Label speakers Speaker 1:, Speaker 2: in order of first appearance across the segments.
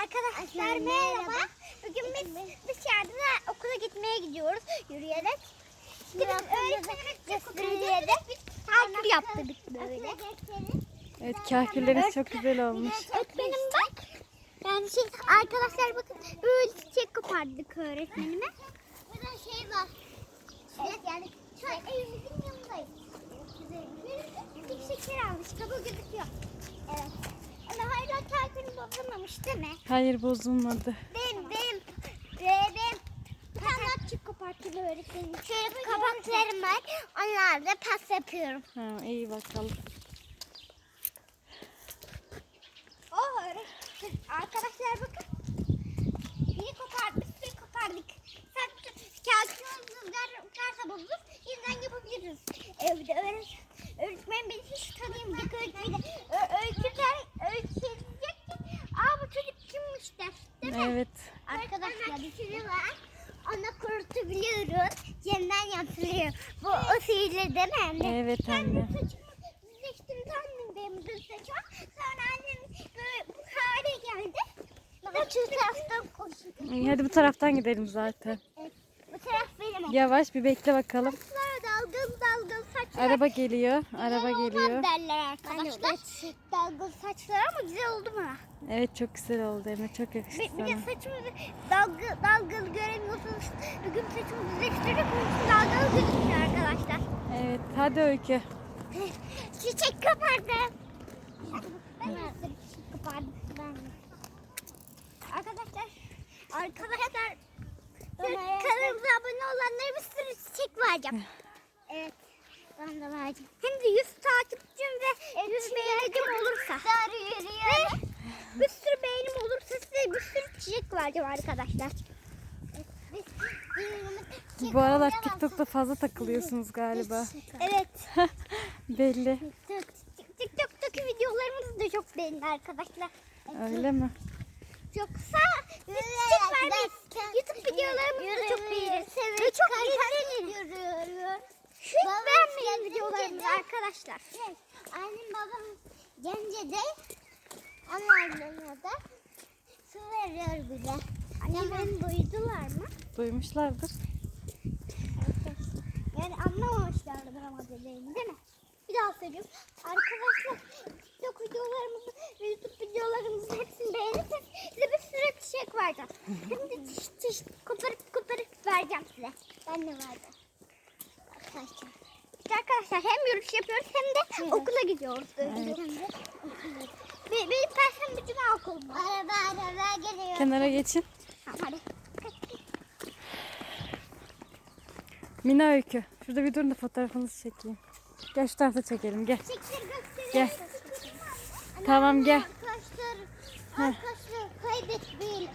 Speaker 1: Arkadaşlar merhaba. Bugün biz dışarıda okula gitmeye gidiyoruz yürüyerek. Şimdi öğretmenimiz gösterdi. Biz takip yaptık böyle.
Speaker 2: Evet, kahkülleriniz çok güzel olmuş.
Speaker 1: Öğretmenim bak. Yani arkadaşlar bakın böyle çiçek kopardık öğretmenime. Burada şey var. Evet yani şu an evimizin yanındayız. Bir şeker almış. Kabuğu gözüküyor. Evet. Ama hala kalbini bozulmamış değil mi?
Speaker 2: Hayır, bozulmadı.
Speaker 1: Benim kanatçık kopartılı öğretmenim. Şöyle kabaklarım var. Onlarla pas yapıyorum.
Speaker 2: Ha, iyi bakalım.
Speaker 1: Oh arkadaşlar bakın. Biri kopardık, bir kopardık. Kağıtçımız rüzgarsa bozulur. Yeniden yapabiliriz. Evde öğretmen beni hiç tanıyamayacak öğretmeni. Öğretecek ki bu çocuk kimmiş der. Değil mi?
Speaker 2: Evet.
Speaker 1: Arkadaşlar bir şey var. Onu kurutabiliyoruz. Yeniden yapılıyor. Bu o sihirli değil mi anne?
Speaker 2: Evet anne.
Speaker 1: Ben saçımı düzleştirdi annem benim düz saçım. Sonra annem böyle bu hale geldi. Şu taraftan koşuyor.
Speaker 2: İyi, hadi bu taraftan gidelim zaten.
Speaker 1: Evet, bu taraf benim.
Speaker 2: Yavaş bir bekle bakalım.
Speaker 1: Saçlar dalgalı saçlar.
Speaker 2: Araba geliyor. Araba
Speaker 1: Güzel
Speaker 2: geliyor.
Speaker 1: olmaz derler arkadaşlar. Dalgalı saçlar ama güzel oldu mu?
Speaker 2: Evet, çok güzel oldu Emre. Çok yakıştı
Speaker 1: Bir de
Speaker 2: sana.
Speaker 1: saçımı dalgalı göremiyorsunuz. Bugün saçımı düzleştirdik. Dalgalı gözüküyor arkadaşlar.
Speaker 2: Evet, hadi Öykü.
Speaker 1: Çiçek kapardım. Ben de çiçek kapardım. Arkadaşlar kanalımıza abone olanlara bir sürü çiçek vereceğim. Evet. Ben de vereceğim. Hem de 100 takipçim ve 100 beğenim olursa. Ve bir sürü beğenim olursa size bir sürü çiçek vereceğim arkadaşlar.
Speaker 2: Bu aralar TikTok'ta fazla takılıyorsunuz galiba.
Speaker 1: Evet.
Speaker 2: Belli.
Speaker 1: TikTok'taki videolarımız da çok beğendi arkadaşlar.
Speaker 2: Öyle mi?
Speaker 1: Yoksa çiçek vermeyiz. YouTube videolarımızı da çok beğeniriz. Ve çok izlenir. Hiç beğenmeyin videolarımızı arkadaşlar. Annem babam Gence'de onlardan da su veriyor bile. Annem duydular mı?
Speaker 2: Duymuşlardır.
Speaker 1: Yani anlamamışlardır ama dediğimi değil mi? Bir daha söylüyorum. Arkadaşlar TikTok videolarımızı ve YouTube videolarımızı hepsini beğenirseniz size bir sürü çiçek vereceğim. Hem de çiş koparıp vereceğim size. Ben de vereceğim. Arkadaşlar. İşte arkadaşlar hem yürüyüş yapıyoruz hem de okula gidiyoruz.
Speaker 2: Evet.
Speaker 1: Benim perşembe cuma okulum var. Araba geliyor.
Speaker 2: Kenara geçin.
Speaker 1: Tamam hadi.
Speaker 2: Mina, Öykü. Şurada bir durun da fotoğrafınızı çekeyim. Gel şu tarafa çekelim, gel.
Speaker 1: Çiçekleri gösterelim.
Speaker 2: Gel. Tamam, gel.
Speaker 1: Arkadaşlar kaybetmeyin.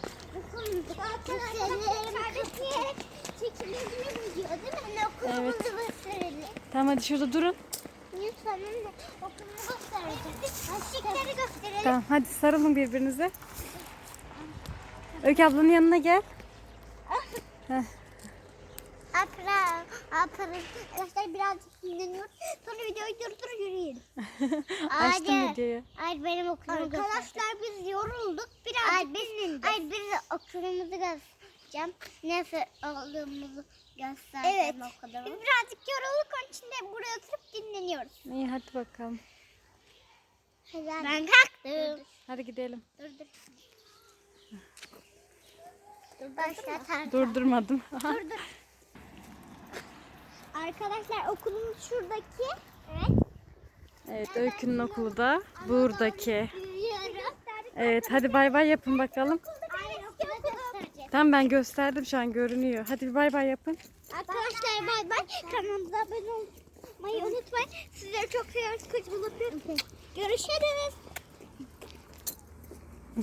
Speaker 1: Kaybetmeyerek çekilmemiz diyor değil mi? Hani okulumuzu gösterelim.
Speaker 2: Tamam, hadi şurada durun.
Speaker 1: Lütfen anne okulumuzu göstereceğim. Çiçekleri gösterelim.
Speaker 2: Tamam, hadi sarılın birbirinize. Öykü ablanın yanına gel. Heh.
Speaker 1: Arkadaşlar birazcık dinleniyoruz. Sonra videoyu durdur yürüyelim.
Speaker 2: Açtım videoyu.
Speaker 1: Ay benim okulumu arkadaşlar biz yorulduk. Birazcık biz okulumuzu göstereceğim. Nasıl olduğumuzu göstereceğim. Evet. Biz birazcık yorulduk. Onun için de buraya oturup dinleniyoruz.
Speaker 2: İyi, hadi bakalım.
Speaker 1: Ben kalktım.
Speaker 2: Hadi gidelim.
Speaker 1: Dur. Başlatalım.
Speaker 2: Durdurmadım.
Speaker 1: Dur. Arkadaşlar okulumuz şuradaki. Evet.
Speaker 2: Evet, Öykü'nün okulu da buradaki.
Speaker 1: Yürüyorum.
Speaker 2: Evet, hadi bay bay yapın bakalım.
Speaker 1: Aynen okula göstereceğim.
Speaker 2: Tamam, ben gösterdim, şu an görünüyor. Hadi bir bay bay yapın.
Speaker 1: Arkadaşlar bay bay. Kanalımıza abone olmayı unutmayın. Sizleri çok seviyoruz. Kocaman öpüyorum. Görüşürüz.